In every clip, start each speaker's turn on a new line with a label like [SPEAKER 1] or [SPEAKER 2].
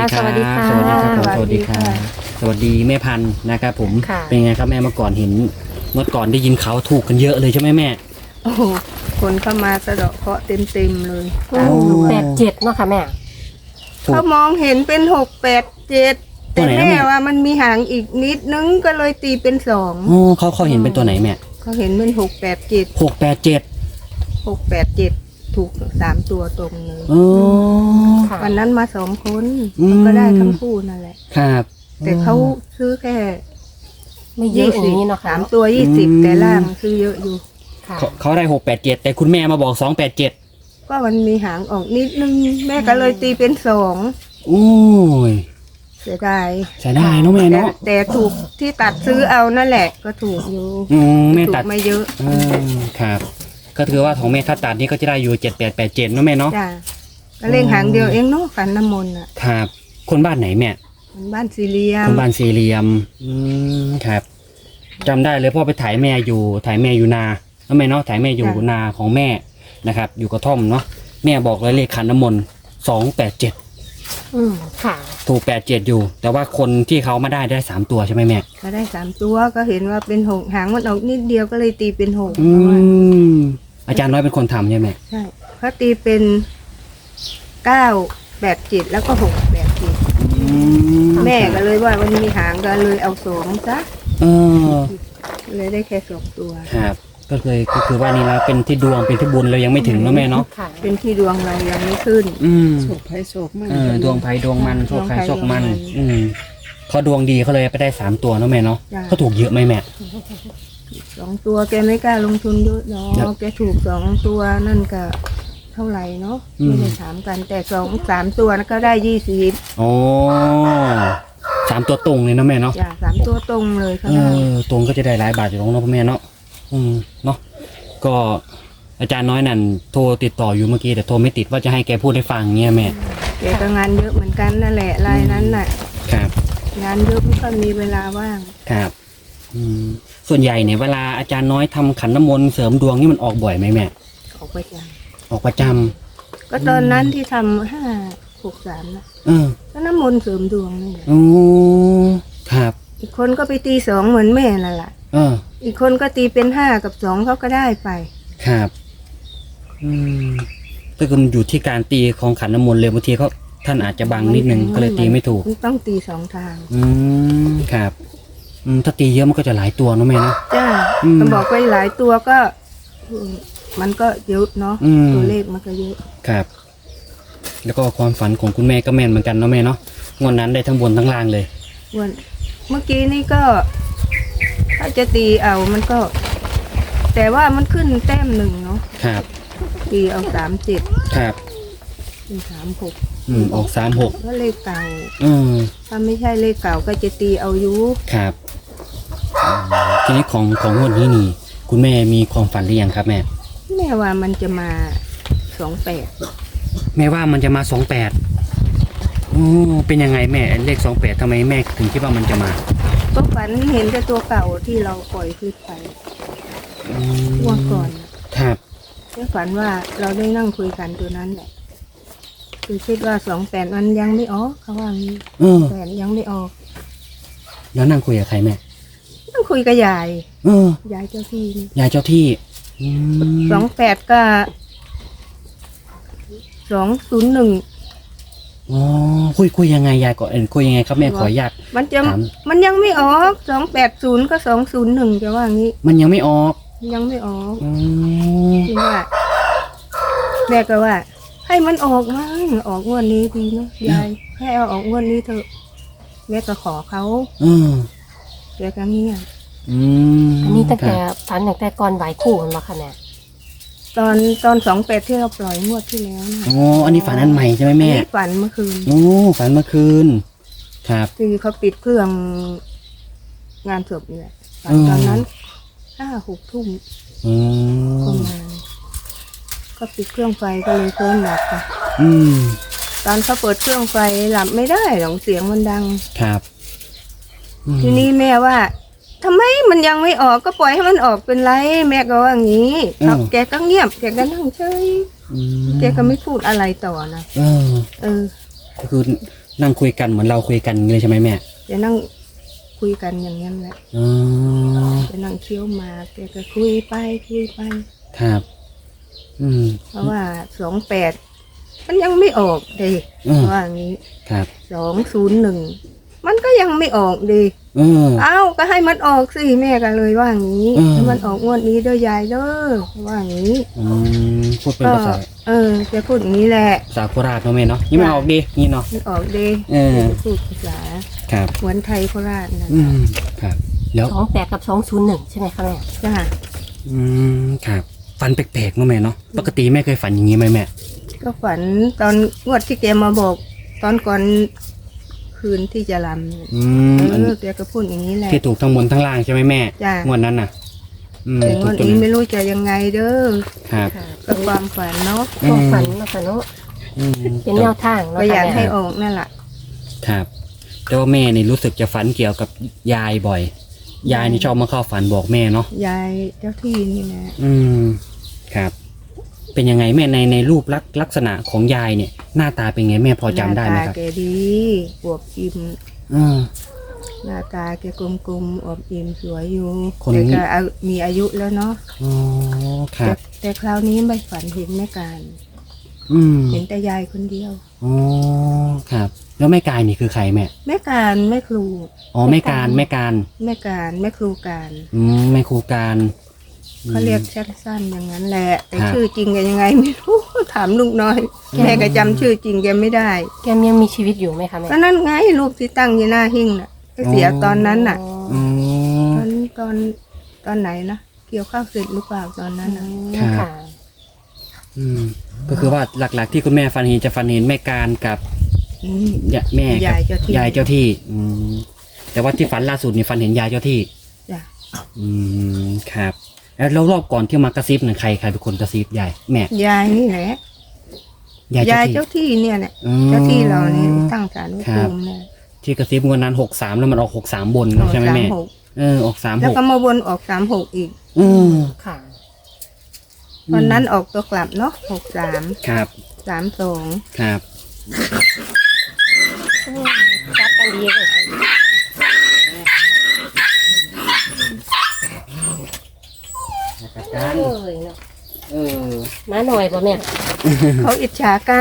[SPEAKER 1] สวัสดีค่ะ
[SPEAKER 2] สวัสดีครับผมส
[SPEAKER 3] สวั
[SPEAKER 2] วัส
[SPEAKER 3] สดี
[SPEAKER 2] ดีค่ะ
[SPEAKER 3] ค่ะ
[SPEAKER 2] สวัสดีแม่พันธุ์นะครับผม
[SPEAKER 1] ค่ะ
[SPEAKER 2] เป็นไงครับแม่เมื่อก่อนเห็นเมื่อก่อนได้ยินเขาถูกกันเยอะเลยใช่ไหมแม่
[SPEAKER 3] โอ้โหคนเข้ามาสะเดาะเคราะห์เต็มเลย
[SPEAKER 2] โอ้
[SPEAKER 1] 87เนาะค่ะแม่
[SPEAKER 2] ถูก
[SPEAKER 3] เขามองเห็นเป็น6 8 7
[SPEAKER 2] ตัว
[SPEAKER 3] แต่
[SPEAKER 2] ไหนนะ
[SPEAKER 3] แม่
[SPEAKER 2] แม่
[SPEAKER 3] ว่ามันมีหางอีกนิดนึงก็เลยตีเป็น2
[SPEAKER 2] โอ้เขาเห็นเป็นตัวไหนแม่
[SPEAKER 3] เขาเห็นเป็น6 8 7
[SPEAKER 2] 687
[SPEAKER 3] 6 8 7ถูก3 ตัวตรงเลย
[SPEAKER 2] โอ้
[SPEAKER 1] ค่ะ
[SPEAKER 3] วันนั้นมา2 คน
[SPEAKER 2] อืม
[SPEAKER 3] มันก็ได้ทั้งคู่นั่นแหละ
[SPEAKER 2] ครับ
[SPEAKER 3] แต่เขาซื้อแค่
[SPEAKER 1] ไม่เยอะอย่างนี้เนาะค่ะ
[SPEAKER 3] 3 ตัว20แต่ล่างซื้อเยอะอยู่
[SPEAKER 1] ค่ะ
[SPEAKER 2] เขาได้687แต่คุณแม่มาบอก287
[SPEAKER 3] ก็มันมีหางออกนิดนึงแม่ก็เลยตีเป็น2
[SPEAKER 2] โอ้ย
[SPEAKER 3] เสียดาย
[SPEAKER 2] ใช้ได้เนาะแม่เนาะ
[SPEAKER 3] แต่ถูกที่ตัดซื้อเอานั่นแหละ ก็ถูกอยู่
[SPEAKER 2] แม่
[SPEAKER 3] ถู
[SPEAKER 2] ตัด
[SPEAKER 3] กไม่เยอะ
[SPEAKER 2] ครับ ก็ถือว่าของแม่ถ้าตัดนี่ก็จะได้อยู่7887เนาะแม่เนาะ
[SPEAKER 3] จ้าก็เล่งหางเดียวเองเนาะฝันน้ำมนต์อ่ะ
[SPEAKER 2] ครับ คนบ้านไหนแม่
[SPEAKER 3] มันบ้านสี่เหลี่ยม
[SPEAKER 2] คนบ้านสี่เหลี่ยมครับจำได้เลยพ่อไปถ่ายแม่อยู่นาแล้วแม่เนาะถ่ายแม่อยู่นาของแม่นะครับ อยู่กระท่อมเนาะแม่บอกเลยเลขขันน้ำมนต์287
[SPEAKER 1] ค่ะ
[SPEAKER 2] ถูก87อยู่ แต่ว่าคนที่เขามาได้3ตัวใช่ไหมแม่
[SPEAKER 3] ก็ได้3 ตัวก็เห็นว่าเป็น6หางมันออกนิดเดียวก็เลยตีเป็น6
[SPEAKER 2] อาจารย์น้อยเป็นคนทำใช่ไหม
[SPEAKER 3] ใช่เขาตีเป็น9 8 7แล้วก็6 8 7แม่ก็เลยว่าวันนี้หางก็เลยเอา2ซะ
[SPEAKER 2] เออ
[SPEAKER 3] เลยได้แค่2 ตัว
[SPEAKER 2] ครับก็คือว่านี่เราเป็นที่ดวงเป็นที่บุญเรายังไม่ถึงเนาะแม่เนาะ
[SPEAKER 1] ค่ะ
[SPEAKER 3] เป็นที่ดวงเรายังไม่ขึ้น
[SPEAKER 4] โศกภัยโศกมัน
[SPEAKER 2] ดวงไผ่ดวงมันโชคใครโชคมัน
[SPEAKER 3] ดวงไผ่ดวงมัน
[SPEAKER 2] เขาดวงดีเขาเลยไปได้3ตัวเนาะแม่เนาะ
[SPEAKER 3] จ้ะ
[SPEAKER 2] เขาถูกเยอะไหมแม่
[SPEAKER 3] 2 ตัวแกไม่กล้าลงทุนเยอะเนา
[SPEAKER 2] ครับ
[SPEAKER 3] ะแกถูก2 ตัวนั่นก็เท่าไหร่เนาะ
[SPEAKER 2] อืม
[SPEAKER 3] ไม่ได้ถามกันแต่2 3 ตัวนั้นก็ได้20
[SPEAKER 2] โอ้3ตัวตรงเลยเนาะแม่เนาะ
[SPEAKER 3] จ้ะ3 ตัวตรงเลยเขา
[SPEAKER 2] เอ
[SPEAKER 3] ได้
[SPEAKER 2] อตรงก็จะได้หลายบาทอยู่ตรงเนาะพ่อแม่เนาะเนาะก็อาจารย์น้อยนั่นโทรติดต่ออยู่เมื่อกี้แต่โทรไม่ติดว่าจะให้แกพูดให้ฟังเงี้ยแม่
[SPEAKER 3] แกก็งานเยอะเหมือนกันนั่นแหละรายนั้นน่ะ
[SPEAKER 2] ครับ
[SPEAKER 3] งานเยอะไม่ค่อยมีเวลาว่าง
[SPEAKER 2] ครับส่วนใหญ่เนี่ยเวลาอาจารย์น้อยทำขันน้ำมนต์เสริมดวงนี่มันออกบ่อยไหมแม่
[SPEAKER 3] ออกไปจ้ะ
[SPEAKER 2] ออกประจ
[SPEAKER 3] ก็ตอนนั้นที่ทำ5 6 3นะ
[SPEAKER 2] ำเออ
[SPEAKER 3] ก็น้ำมนต์เสริมดวงนี่แหละ
[SPEAKER 2] โอ้ครับ
[SPEAKER 3] อีกคนก็ไปตี2เหมือนแม่นั่นแหละ
[SPEAKER 2] เออ
[SPEAKER 3] อีกคนก็ตีเป็น5กับ2เขาก็ได้ไป
[SPEAKER 2] ครับก็คือมันอยู่ที่การตีของขันน้ำมนต์เลยบางทีเขาท่านอาจจะบังนิดนึงก็เลยตีไม่ถูก
[SPEAKER 3] ต้องตี2 ทาง
[SPEAKER 2] ครับถ้าตีเยอะมันก็จะหลายตัวเนาะแม่เนาะ
[SPEAKER 3] จ้า
[SPEAKER 2] อืม
[SPEAKER 3] มันบอกไปหลายตัวก็มันก็เยอะเนาะ
[SPEAKER 2] อืม
[SPEAKER 3] ตัวเลขมันก็เยอะ
[SPEAKER 2] ครับ แล้วก็ความฝันของคุณแม่ก็แม่นเหมือนกันเนาะแม่เนาะงวดนั้นได้ทั้งบนทั้งล่างเลย
[SPEAKER 3] วันเมื่อกี้นี่ก็ถ้าจะตีเอามันก็ แต่ว่ามันขึ้นแต้ม1เนาะ
[SPEAKER 2] ครับ
[SPEAKER 3] ตีเอา37
[SPEAKER 2] ครับ
[SPEAKER 3] เป็น36
[SPEAKER 2] ออก36
[SPEAKER 3] ก็เลขเก่า
[SPEAKER 2] อืม
[SPEAKER 3] ถ้าไม่ใช่เลขเก่าก็จะตีเอาอยู่
[SPEAKER 2] ครับทีนี้ของงวดนี้นี่ คุณแม่มีความฝันหรือยังครับแม่
[SPEAKER 3] แม่ว่ามันจะมา28
[SPEAKER 2] แม่ว่ามันจะมา28เป็นยังไงแม่เลข28ทำไมแม่ถึงคิดว่ามันจะมา
[SPEAKER 3] ก็ฝันเห็นแต่ตัวเก่าที่เราปล่อยขึ้นไปว่างก่อนน่ะ
[SPEAKER 2] ครับ
[SPEAKER 3] แค่ฝันว่าเราได้นั่งคุยกันตัวนั้นแหละคือคิดว่า28มันยังไม่ออกเขาว่างี้ 8ยังไม่ออก
[SPEAKER 2] แล้วนั่งคุยกับใครแม่
[SPEAKER 3] นั่งคุยกับยาย
[SPEAKER 2] เออ
[SPEAKER 3] ยายเจ้าที่นี่
[SPEAKER 2] ยายเจ้าที่
[SPEAKER 3] 28ก็201
[SPEAKER 2] อ๋อคุยยังไงยายก่อนคุยยังไงครับแม่ขออนุญาต
[SPEAKER 3] มันจะ
[SPEAKER 2] ถาม
[SPEAKER 3] มันยังไม่ออก280ก็201จะว่างี้
[SPEAKER 2] มันยังไม่ออก
[SPEAKER 3] ยังไม่ออก
[SPEAKER 2] อืม
[SPEAKER 3] จริงว่าแม่ก็ว่า ให้มันออกมั้งออกงวดนี้ดีเนาะยายให้เอาออกงวดนี้เถอะแม่ก็ขอเขา แกก็เงียบ
[SPEAKER 1] อันนี้ตั้งแต่
[SPEAKER 2] ครับ
[SPEAKER 1] ฝันตั้งแต่ก่อนไหวคู่กันมาค่ะแม่
[SPEAKER 3] ตอน28ที่เราปล่อยงวดที่แล้วนะ
[SPEAKER 2] อ๋ออันนี้ฝันอันใหม่ใช่ไหมแม่
[SPEAKER 3] อันนี้ฝันเมื่อคืน
[SPEAKER 2] โอ้ฝันเมื่อคืน ครับ
[SPEAKER 3] คือเขาปิดเครื่องงานศพนี่แหละฝันตอนนั้น5-6 ทุ่ม
[SPEAKER 2] อืม
[SPEAKER 3] ประมาณก็ปิดเครื่องไฟก็เลยเพิ่มหลับไป
[SPEAKER 2] อืม
[SPEAKER 3] ตอนเขาเปิดเครื่องไฟหลับไม่ได้หรอกเสียงมันดัง
[SPEAKER 2] ครับ
[SPEAKER 3] ทีนี้แม่ว่าทำไมมันยังไม่ออกก็ปล่อยให้มันออกเป็นไรแม่ก็ว่างี้แกก็เงียบแกก็นั่งเฉยแกก็ไม่พูดอะไรต่อนะ
[SPEAKER 2] เออ
[SPEAKER 3] เออ
[SPEAKER 2] ก็คือนั่งคุยกันเหมือนเราคุยกันเลยใช่ไหมแม่
[SPEAKER 3] จะนั่งคุยกันอย่างนั้นแหละ
[SPEAKER 2] อ๋อ
[SPEAKER 3] จะนั่งเคี้ยวหมากแกก็คุยไปคุยไป
[SPEAKER 2] ครับ อืม
[SPEAKER 3] เพราะว่า28มันยังไม่ออกดิ
[SPEAKER 2] อืม
[SPEAKER 3] ว่างี้
[SPEAKER 2] ครับ
[SPEAKER 3] 201มันก็ยังไม่ออกดิ
[SPEAKER 2] เออ
[SPEAKER 3] เอ้าก็ให้มันออกสิแม่ก็เลยว่างี้
[SPEAKER 2] อืม
[SPEAKER 3] ให้มันออกงวดนี้เด้อยายเด้อว่างี้
[SPEAKER 2] พูดเป็น
[SPEAKER 3] ก็
[SPEAKER 2] ภาษา
[SPEAKER 3] จะพูดอย่างนี้แหละ
[SPEAKER 2] ภาษาโคราชเนาะแม่เนาะนี่มาออกดีนี่เนาะ
[SPEAKER 3] มันออกดิ
[SPEAKER 2] เออ
[SPEAKER 3] จะพูดภาษา
[SPEAKER 2] ครับ
[SPEAKER 3] เหมือนไทยโคราชนะ
[SPEAKER 2] อืมครับ แล้ว
[SPEAKER 1] 28กับ201ใช่ไหมคะแม่
[SPEAKER 3] จ้า
[SPEAKER 2] ครับฝันแปลกๆเนาะแม่เนาะปกติแม่เคยฝันอย่างนี้ไหมแม่
[SPEAKER 3] ก็ฝันตอนงวดที่แกมาบอกตอนก่อนคืนที่จะรำเนี่ย
[SPEAKER 2] อัน
[SPEAKER 3] แกก็พูดอย่างนี้แหละ
[SPEAKER 2] ที่ถูกทั้งบนทั้งล่างใช่ไหมแม่
[SPEAKER 3] จ้ะ
[SPEAKER 2] งวดนั้นน่ะ
[SPEAKER 3] แต่ง
[SPEAKER 2] ถู
[SPEAKER 3] ว
[SPEAKER 2] ก
[SPEAKER 3] ด
[SPEAKER 2] ตัว
[SPEAKER 3] นี้
[SPEAKER 2] นั้น
[SPEAKER 3] ไม่รู้จะยังไงเด้อ
[SPEAKER 2] ครับ
[SPEAKER 1] ค่ะ
[SPEAKER 3] ก็ความฝันเนาะ
[SPEAKER 1] ความฝันเนาะค่ะเนาะ
[SPEAKER 2] อืม
[SPEAKER 1] เป็นแนวทางเนาะ
[SPEAKER 3] ก็อยาก
[SPEAKER 1] ค่ะ
[SPEAKER 3] ให้
[SPEAKER 1] แม่
[SPEAKER 3] ออกนั่นแหละ
[SPEAKER 2] ครับแต่ว่าแม่นี่รู้สึกจะฝันเกี่ยวกับยายบ่อย ยายนี่ชอบมาเข้าฝันบอกแม่เนาะ
[SPEAKER 3] ยายเจ้าที่นี่นะ
[SPEAKER 2] ครับ เป็นยังไงแม่ในรูปลักษณะของยายเนี่ย หน้าตาเป็นไงแม่พอจำได้ไหมครับ
[SPEAKER 3] น้าตาแกดีอวบอิ่ม
[SPEAKER 2] อืม
[SPEAKER 3] หน้าตาแกกลมๆอวบอิ่มสวยอยู่
[SPEAKER 2] คน
[SPEAKER 3] แต่ก็มีอายุแล้วเนาะ
[SPEAKER 2] อ๋อครับ
[SPEAKER 3] แต่คราวนี้ไม่ฝันเห็นแม่การ
[SPEAKER 2] อืม
[SPEAKER 3] เห็นแต่ยายคนเดียว
[SPEAKER 2] อ๋อครับ แล้วแม่กายนี่คือใครแม่
[SPEAKER 3] แม่การแม่ครู
[SPEAKER 2] อ๋อแม่การแม่การ
[SPEAKER 3] แม่การแม่ครูการ
[SPEAKER 2] แม่ครูการ
[SPEAKER 3] เขาเรียกสั้นๆอย่างนั้นแหละ แต่
[SPEAKER 2] ครับ
[SPEAKER 3] ชื่อจริงแกยังไงไม่รู้ ถามลูกน้อย แม่ก็จำชื่อจริงแกไม่ได้
[SPEAKER 1] แกยังมีชีวิตอยู่ไหมคะแม่
[SPEAKER 3] ก็นั่นไงรูปที่ตั้งอยู่หน้าหิ้งน่ะก็เสียตอนนั้นน่ะ
[SPEAKER 2] อืม
[SPEAKER 3] ตอนไหนนะเกี่ยวข้าวเสร็จหรือเปล่าตอนนั้นน่ะ
[SPEAKER 2] ครับ
[SPEAKER 1] ค่ะ
[SPEAKER 2] อืมก็คือว่าหลักๆที่คุณแม่ฝันเห็นจะฝันเห็นแม่การกับ
[SPEAKER 3] อืม
[SPEAKER 2] แม่กับ
[SPEAKER 3] ยายเจ้าที่
[SPEAKER 2] ยายเจ้าที่ แต่ว่าที่ฝันล่าสุดนี่ฝันเห็นยายเจ้าที่
[SPEAKER 3] จ้ะ
[SPEAKER 2] ครับ แล้วรอบก่อนที่มากระซิบน่ะใครเป็นคนกระซิบยายแม่
[SPEAKER 3] ยายนี่แหละ
[SPEAKER 2] ยาย
[SPEAKER 3] ยาย
[SPEAKER 2] เจ้าที่
[SPEAKER 3] เจ้าที่เนี่ยแหละ
[SPEAKER 2] อืม
[SPEAKER 3] เจ้าที่เรานี่ตั้งศาลไว้
[SPEAKER 2] ครับ
[SPEAKER 3] ภูมิเนี่ย
[SPEAKER 2] ที่กระซิบงวดนั้น63แล้วมันออก63บนใช่ไหมแม่
[SPEAKER 3] 36
[SPEAKER 2] ออก
[SPEAKER 3] แล้วก็
[SPEAKER 2] 36
[SPEAKER 3] มาวนออก36อีก
[SPEAKER 2] อืม
[SPEAKER 1] ค่ะ
[SPEAKER 3] วันนั้นออกตัวกลับเนาะ63
[SPEAKER 2] ครับ
[SPEAKER 3] 32
[SPEAKER 2] ครับ
[SPEAKER 1] จับกันดีเลย
[SPEAKER 2] การ
[SPEAKER 1] เอ้ยเนาะ
[SPEAKER 2] เออ
[SPEAKER 1] มาหน่อยป่ะแม่
[SPEAKER 3] เขาอิจฉากัน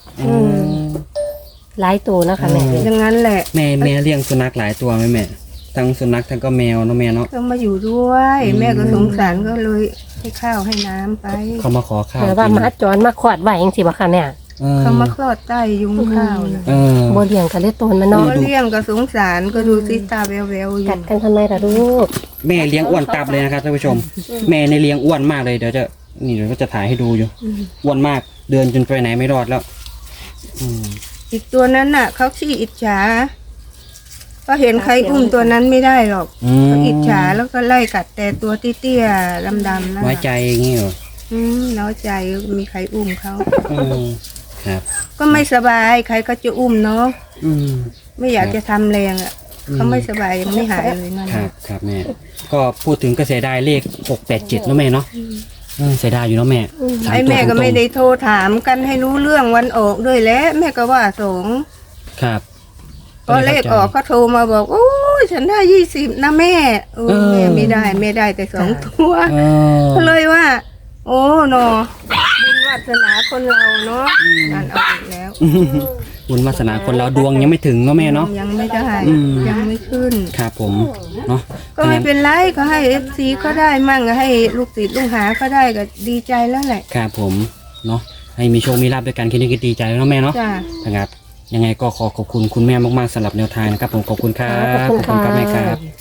[SPEAKER 1] หลายตัวนะคะแม่
[SPEAKER 3] อย่างนั้นแหละ
[SPEAKER 2] แม่เลี้ยงสุนัขหลายตัวไหมแม่ทั้งสุนัขทั้งก็แมวเนาะแม่เนาะ
[SPEAKER 3] ก็มาอยู่ด้วย
[SPEAKER 2] อืม
[SPEAKER 3] แม่ก็สงสารก็เลยให้ข้าวให้น้ำไป
[SPEAKER 2] เขามาขอข้าว
[SPEAKER 1] แต่ว่า
[SPEAKER 2] กิน
[SPEAKER 1] หมาจรมาขวาดไว้ยังสิบ่คะแม่
[SPEAKER 3] เขามาคลอดใต้ยุงข้าวนะ
[SPEAKER 2] เออ
[SPEAKER 1] บ่เลี้ยงกันเลยตัวมัน
[SPEAKER 3] ก็
[SPEAKER 1] เนาะ
[SPEAKER 3] เลี้ยงก็สงสารก็ดูซิตาแววๆอยู่
[SPEAKER 1] กัดกันทำไมล่ะลูก
[SPEAKER 2] แม่เลี้ยงอ้วนตับเลยนะครับท่านผู้ชม แม่ในเลี้ยงอ้วนมากเลยเดี๋ยวก็จะถ่ายให้ดูอยู่
[SPEAKER 3] อืม
[SPEAKER 2] อ้วนมากเดินจนไปไหนไม่รอดแล้ว อืม
[SPEAKER 3] อีกตัวนั้นน่ะเขาขี้อิจฉาก็เห็นใครอุ้มตัวนั้นไม่ได้หรอกเขาอิจฉาแล้วก็ไล่กัดแต่ตัวเตี้ยๆดำๆนั่น
[SPEAKER 2] น้อย
[SPEAKER 3] น่ะ
[SPEAKER 2] ใจอย่างงี้เหรอ
[SPEAKER 3] น้อยใจมีใครอุ้มเขา
[SPEAKER 2] อืมครับ
[SPEAKER 3] ก็ไม่สบายใครก็จะอุ้มเนาะ
[SPEAKER 2] อืม
[SPEAKER 3] ไม่อยากจะทำแรงอ่ะเขาไม่สบายยังไม่หายเลยนั่น
[SPEAKER 2] ครับครับแม่ ก็พูดถึงก็เสียดายเลข687เนาะแม่เนาะเสียดายอยู่เนาะแม่สา
[SPEAKER 3] ไอ้
[SPEAKER 2] ตัว
[SPEAKER 3] แม่ก็
[SPEAKER 2] ตรงๆ
[SPEAKER 3] ไม่ได้โทรถามกันให้รู้เรื่องวันออกด้วยแหล้วแม่ก็ว่าสง
[SPEAKER 2] ครับ
[SPEAKER 3] พอเลขออกเขาโทรมาบอกโอ้ยฉันได้20นะแม่แม่ไม่ได้แม่ได้แต่2ตัว
[SPEAKER 2] เออ
[SPEAKER 3] ก็เลยว่า โอ้หนอบุญวาสนาคนเราเนาะนั่นเอาอีกแล้ว
[SPEAKER 2] บุญวาสนาคนเราดวงยังไม่ถึงเนาะแม่เนาะ
[SPEAKER 3] ยังไม่ได้
[SPEAKER 2] อืม
[SPEAKER 3] ยังไม่ขึ้น
[SPEAKER 2] ครับผมเนาะ
[SPEAKER 3] ก็ไม่เป็นไรก็ให้ FC เขาได้มั่งก็ให้ลูกศิษย์ลูกหาเขาได้ก็ดีใจแล้วแหละ
[SPEAKER 2] ครับผมเนาะให้มีโชคมีลาภด้วยกันแค่นี้ก็ดีใจแล้วเนาะแม่เนาะ
[SPEAKER 3] จ้า
[SPEAKER 2] นะครับยังไงก็ขอบคุณคุณแม่มากๆสำหรับแนวทางนะครับผมขอบคุณครับ
[SPEAKER 1] ขอบคุณ
[SPEAKER 2] ครับแม่ค
[SPEAKER 1] ค่ะ
[SPEAKER 2] รับ